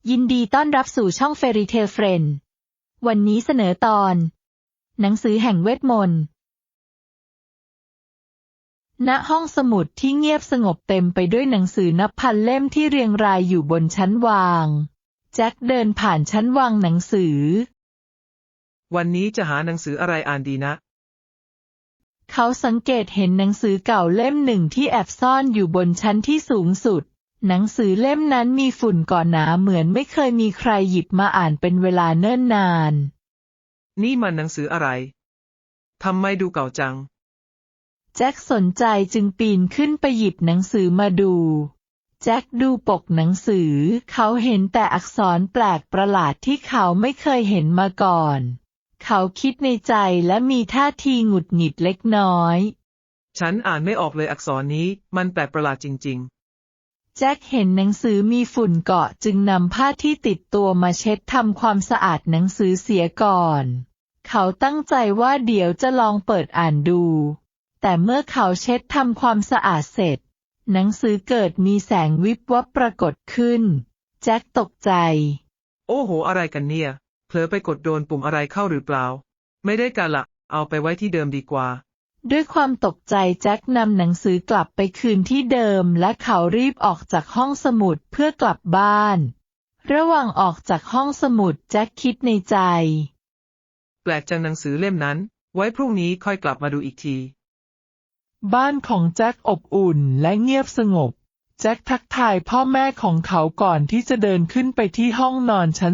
ยินดีต้อนรับสู่ช่อง Fairy Tale Friend วันนี้เสนอตอนหนังสือแห่งเวทมนต์ณห้องสมุดที่เงียบสงบเต็มไปด้วยหนังสือนับพันเล่มที่เรียงรายอยู่บนชั้นวางแจ็คเดินผ่านชั้นวางหนังสือวันนี้จะหาหนังสืออะไรอ่านดีนะเขาสังเกตเห็นหนังสือเก่าเล่มหนึ่งที่แอบซ่อนอยู่บนชั้นที่สูงสุดหนังสือเล่มนั้นมีฝุ่นก่อหนาเหมือนไม่เคยมีใครหยิบมาอ่านเป็นเวลาเนิ่นนานนี่มันหนังสืออะไรทำไมดูเก่าจังแจ็คสนใจจึงปีนขึ้นไปหยิบหนังสือมาดูแจ็คดูปกหนังสือเขาเห็นแต่อักษรแปลกประหลาดที่เขาไม่เคยเห็นมาก่อนเขาคิดในใจและมีท่าทีหงุดหงิดเล็กน้อยฉันอ่านไม่ออกเลยอักษรนี้มันแปลกประหลาดจริงๆแจ็คเห็นหนังสือมีฝุ่นเกาะจึงนำผ้าที่ติดตัวมาเช็ดทำความสะอาดหนังสือเสียก่อนเขาตั้งใจว่าเดี๋ยวจะลองเปิดอ่านดูแต่เมื่อเขาเช็ดทำความสะอาดเสร็จหนังสือเกิดมีแสงวิบวับปรากฏขึ้นแจ็คตกใจโอ้โหอะไรกันเนี่ยเผลอไปกดโดนปุ่มอะไรเข้าหรือเปล่าไม่ได้การละเอาไปไว้ที่เดิมดีกว่าด้วยความตกใจแจ็คนำหนังสือกลับไปคืนที่เดิมและเขารีบออกจากห้องสมุดเพื่อกลับบ้านระหว่างออกจากห้องสมุดแจ็คคิดในใจแปลกจังหนังสือเล่มนั้นไว้พรุ่งนี้ค่อยกลับมาดูอีกทีบ้านของแจ็คอบอุ่นและเงียบสงบแจ็คทักทายพ่อแม่ของเขาก่อนที่จะเดินขึ้นไปที่ห้องนอนชั้น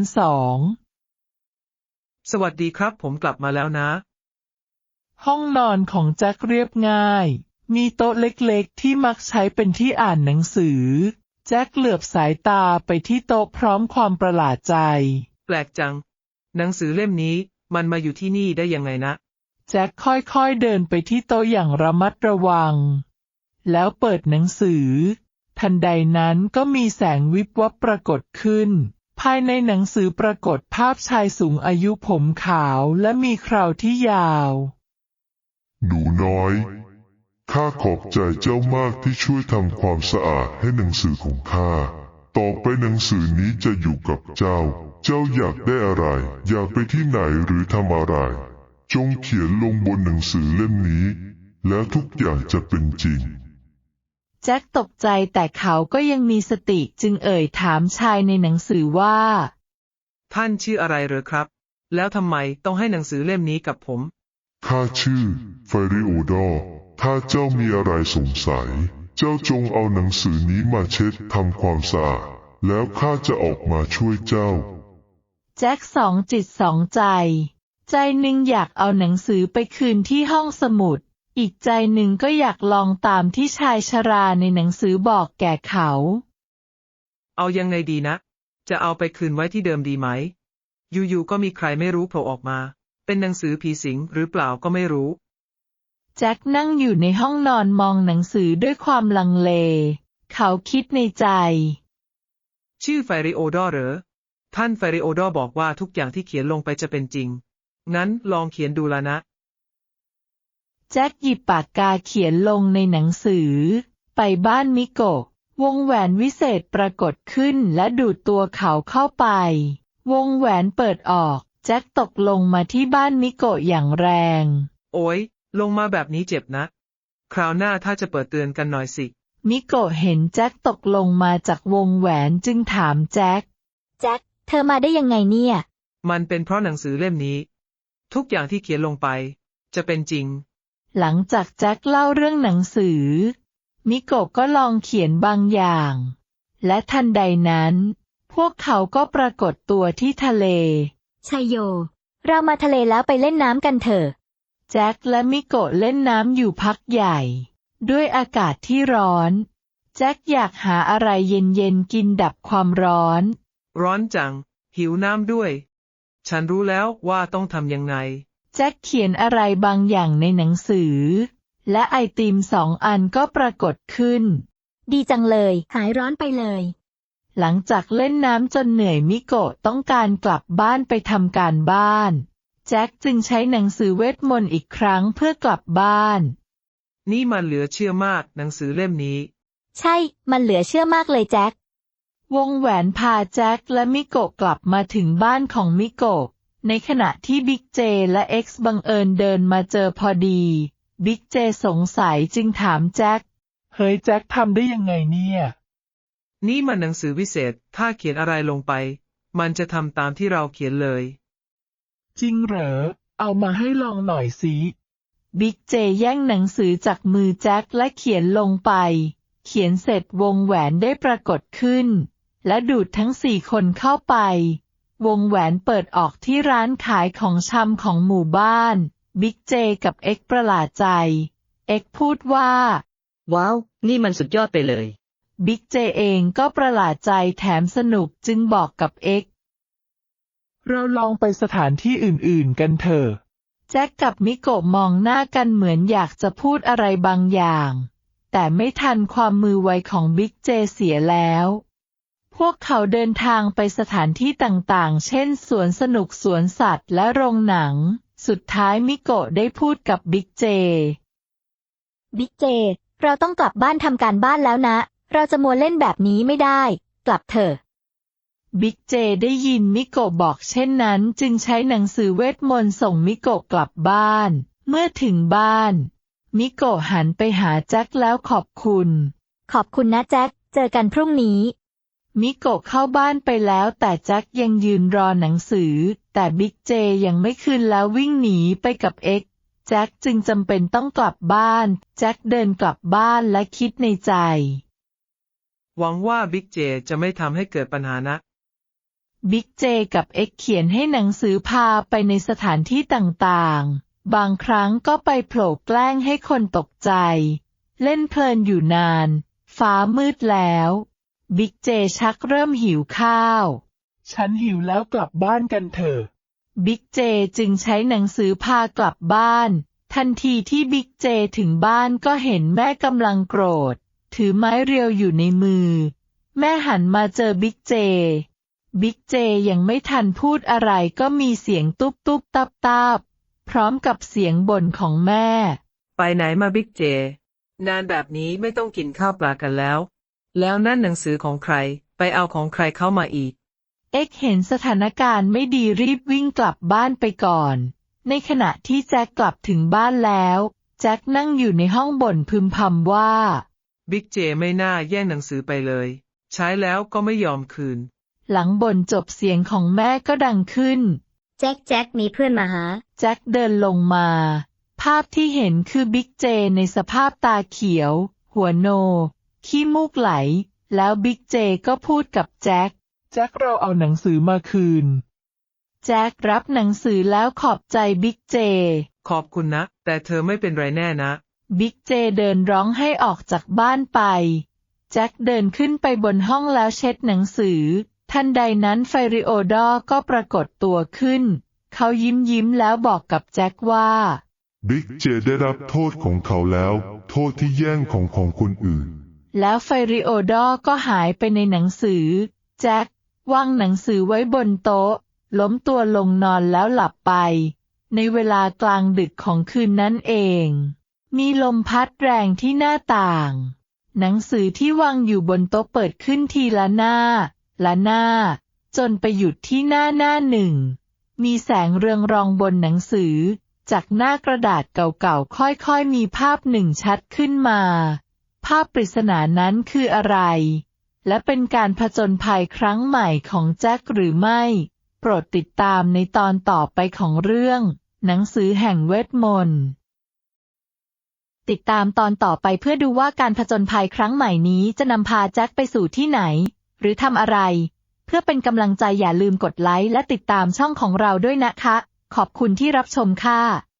2 สวัสดีครับผมกลับมาแล้วนะห้องนอนของแจ็คเรียบง่ายมีโต๊ะเล็กๆที่มักใช้เป็นที่อ่านหนังสือแจ็คเหลือบสายตาไปที่โต๊ะพร้อมความประหลาดใจแปลกจังหนังสือเล่มนี้มันมาอยู่ที่นี่ได้ยังไงนะแจ็คค่อยๆเดินไปที่โต๊ะอย่างระมัดระวังแล้วเปิดหนังสือทันใดนั้นก็มีแสงวิบวับปรากฏขึ้นภายในหนังสือปรากฏภาพชายสูงอายุผมขาวและมีเคราที่ยาวหนูน้อยข้าขอบใจเจ้ามากที่ช่วยทำความสะอาดให้หนังสือของข้าต่อไปหนังสือนี้จะอยู่กับเจ้าอยากได้อะไรอยากไปที่ไหนหรือทำอะไรจงเขียนลงบนหนังสือเล่มนี้แล้วทุกอย่างจะเป็นจริงแจ็คตกใจแต่เขาก็ยังมีสติจึงเอ่ยถามชายในหนังสือว่าท่านชื่ออะไรเหรอครับแล้วทำไมต้องให้หนังสือเล่มนี้กับผมข้าชื่อไฟริโอดอร์ถ้าเจ้ามีอะไรสงสัยเจ้าจงเอาหนังสือนี้มาเช็ดทำความสะอาดแล้วข้าจะออกมาช่วยเจ้าแจ็คสองจิตสองใจใจหนึ่งอยากเอาหนังสือไปคืนที่ห้องสมุดอีกใจหนึ่งก็อยากลองตามที่ชายชราในหนังสือบอกแก่เขาเอายังไงดีนะจะเอาไปคืนไว้ที่เดิมดีไหมอยู่ๆก็มีใครไม่รู้โผล่ออกมาเป็นหนังสือผีสิงหรือเปล่าก็ไม่รู้แจ็คนั่งอยู่ในห้องนอนมองหนังสือด้วยความลังเลเขาคิดในใจชื่อไฟริโอดอร์เหรอท่านไฟริโอดอร์บอกว่าทุกอย่างที่เขียนลงไปจะเป็นจริงงั้นลองเขียนดูละนะแจ็คหยิบปากกาเขียนลงในหนังสือไปบ้านมิโกะวงแหวนวิเศษปรากฏขึ้นและดูดตัวเขาเข้าไปวงแหวนเปิดออกแจ็คตกลงมาที่บ้านมิโกะอย่างแรงโอ๊ยลงมาแบบนี้เจ็บนะคราวหน้าถ้าจะเปิดเตือนกันหน่อยสิมิโกะเห็นแจ็คตกลงมาจากวงแหวนจึงถามแจ็คเธอมาได้ยังไงเนี่ยมันเป็นเพราะหนังสือเล่มนี้ทุกอย่างที่เขียนลงไปจะเป็นจริงหลังจากแจ็คเล่าเรื่องหนังสือมิโกะก็ลองเขียนบางอย่างและทันใดนั้นพวกเขาก็ปรากฏตัวที่ทะเลชัยโยเรามาทะเลแล้วไปเล่นน้ำกันเถอะแจ็คและมิโกะเล่นน้ำอยู่พักใหญ่ด้วยอากาศที่ร้อนแจ็คอยากหาอะไรเย็นๆกินดับความร้อนจังหิวน้ำด้วยฉันรู้แล้วว่าต้องทำยังไงแจ็คเขียนอะไรบางอย่างในหนังสือและไอติม2 อันก็ปรากฏขึ้นดีจังเลยหายร้อนไปเลยหลังจากเล่นน้ำจนเหนื่อยมิโกะต้องการกลับบ้านไปทำการบ้านแจ็คจึงใช้หนังสือเวทมนต์อีกครั้งเพื่อกลับบ้านนี่มันเหลือเชื่อมากหนังสือเล่มนี้ใช่มันเหลือเชื่อมากเลยแจ็ควงแหวนพาแจ็คและมิโกะกลับมาถึงบ้านของมิโกะในขณะที่บิ๊กเจและเอ็กซ์บังเอิญเดินมาเจอพอดีบิ๊กเจสงสัยจึงถามแจ็คเฮ้ยแจ็คทำได้ยังไงเนี่ยนี่มันหนังสือวิเศษ ถ้าเขียนอะไรลงไป มันจะทำตามที่เราเขียนเลยจริงเหรอ เอามาให้ลองหน่อยสิบิ๊กเจแย่งหนังสือจากมือแจ็คและเขียนลงไปเขียนเสร็จวงแหวนได้ปรากฏขึ้นและดูดทั้ง4 คนเข้าไปวงแหวนเปิดออกที่ร้านขายของชำของหมู่บ้านบิ๊กเจกับเอ็กซ์ประหลาดใจเอ็กซ์พูดว่าว้าว นี่มันสุดยอดไปเลยบิ๊กเจเองก็ประหลาดใจแถมสนุกจึงบอกกับเอ็กซ์เราลองไปสถานที่อื่นๆกันเถอะแจ็คกับมิโกะมองหน้ากันเหมือนอยากจะพูดอะไรบางอย่างแต่ไม่ทันความมือไวของบิ๊กเจเสียแล้วพวกเขาเดินทางไปสถานที่ต่างๆเช่นสวนสนุกสวนสัตว์และโรงหนังสุดท้ายมิโกะได้พูดกับบิ๊กเจบิ๊กเจ เราต้องกลับบ้านทำการบ้านแล้วนะ เราจะมัวเล่นแบบนี้ไม่ได้ กลับเถอะบิ๊กเจได้ยินมิโกะบอกเช่นนั้นจึงใช้หนังสือเวทมนต์ส่งมิโกะกลับบ้านเมื่อถึงบ้านมิโกะหันไปหาแจ็คแล้วขอบคุณขอบคุณนะแจ็ค เจอกันพรุ่งนี้มิโกะเข้าบ้านไปแล้วแต่แจ็คยังยืนรอหนังสือแต่บิ๊กเจยังไม่คืนแล้ววิ่งหนีไปกับเอ็กซ์แจ็คจึงจำเป็นต้องกลับบ้านแจ็คเดินกลับบ้านและคิดในใจหวังว่าบิ๊กเจจะไม่ทำให้เกิดปัญหานะบิ๊กเจกับเอ็กซ์เขียนให้หนังสือพาไปในสถานที่ต่างๆบางครั้งก็ไปโผล่แกล้งให้คนตกใจเล่นเพลินอยู่นานฟ้ามืดแล้วบิ๊กเจชักเริ่มหิวข้าวฉันหิวแล้วกลับบ้านกันเถอะบิ๊กเจจึงใช้หนังสือพากลับบ้านทันทีที่บิ๊กเจถึงบ้านก็เห็นแม่กำลังโกรธถือไม้เรียวอยู่ในมือแม่หันมาเจอบิ๊กเจบิ๊กเจยังไม่ทันพูดอะไรก็มีเสียงตุ๊บตุ๊บตับตับพร้อมกับเสียงบ่นของแม่ไปไหนมาบิ๊กเจนานแบบนี้ไม่ต้องกินข้าวปลากันแล้วนั่นหนังสือของใครไปเอาของใครเข้ามาอีกเอ็กเห็นสถานการณ์ไม่ดีรีบวิ่งกลับบ้านไปก่อนในขณะที่แจ็คกลับถึงบ้านแล้วแจ็คนั่งอยู่ในห้องบ่นพึมพำว่าบิ๊กเจไม่น่าแย่งหนังสือไปเลยใช้แล้วก็ไม่ยอมคืนหลังบ่นจบเสียงของแม่ก็ดังขึ้นแจ็คมีเพื่อนมาหาแจ็คเดินลงมาภาพที่เห็นคือบิ๊กเจในสภาพตาเขียวหัวโนขี้มูกไหลแล้วบิ๊กเจก็พูดกับแจ็คเราเอาหนังสือมาคืนแจ็ครับหนังสือแล้วขอบใจบิ๊กเจขอบคุณนะแต่เธอไม่เป็นไรแน่นะบิ๊กเจเดินร้องให้ออกจากบ้านไปแจ็คเดินขึ้นไปบนห้องแล้วเช็ดหนังสือทันใดนั้นไฟริโอดอร์ก็ปรากฏตัวขึ้นเขายิ้มแล้วบอกกับแจ็คว่าบิ๊กเจได้รับโทษของเขาแล้วโทษที่แย่งของคนอื่นแล้วไฟริโอดอร์ก็หายไปในหนังสือแจ็ควางหนังสือไว้บนโต๊ะล้มตัวลงนอนแล้วหลับไปในเวลากลางดึกของคืนนั้นเองมีลมพัดแรงที่หน้าต่างหนังสือที่วางอยู่บนโต๊ะเปิดขึ้นทีละหน้าจนไปหยุดที่หน้าหนึ่งมีแสงเรืองรองบนหนังสือจากหน้ากระดาษเก่าๆค่อยๆมีภาพหนึ่งชัดขึ้นมาภาพปริศนานั้นคืออะไรและเป็นการผจญภัยครั้งใหม่ของแจ็คหรือไม่โปรดติดตามในตอนต่อไปของเรื่องหนังสือแห่งเวทมนต์ติดตามตอนต่อไปเพื่อดูว่าการผจญภัยครั้งใหม่นี้จะนำพาแจ็คไปสู่ที่ไหนหรือทำอะไรเพื่อเป็นกำลังใจอย่าลืมกดไลค์และติดตามช่องของเราด้วยนะคะขอบคุณที่รับชมค่ะ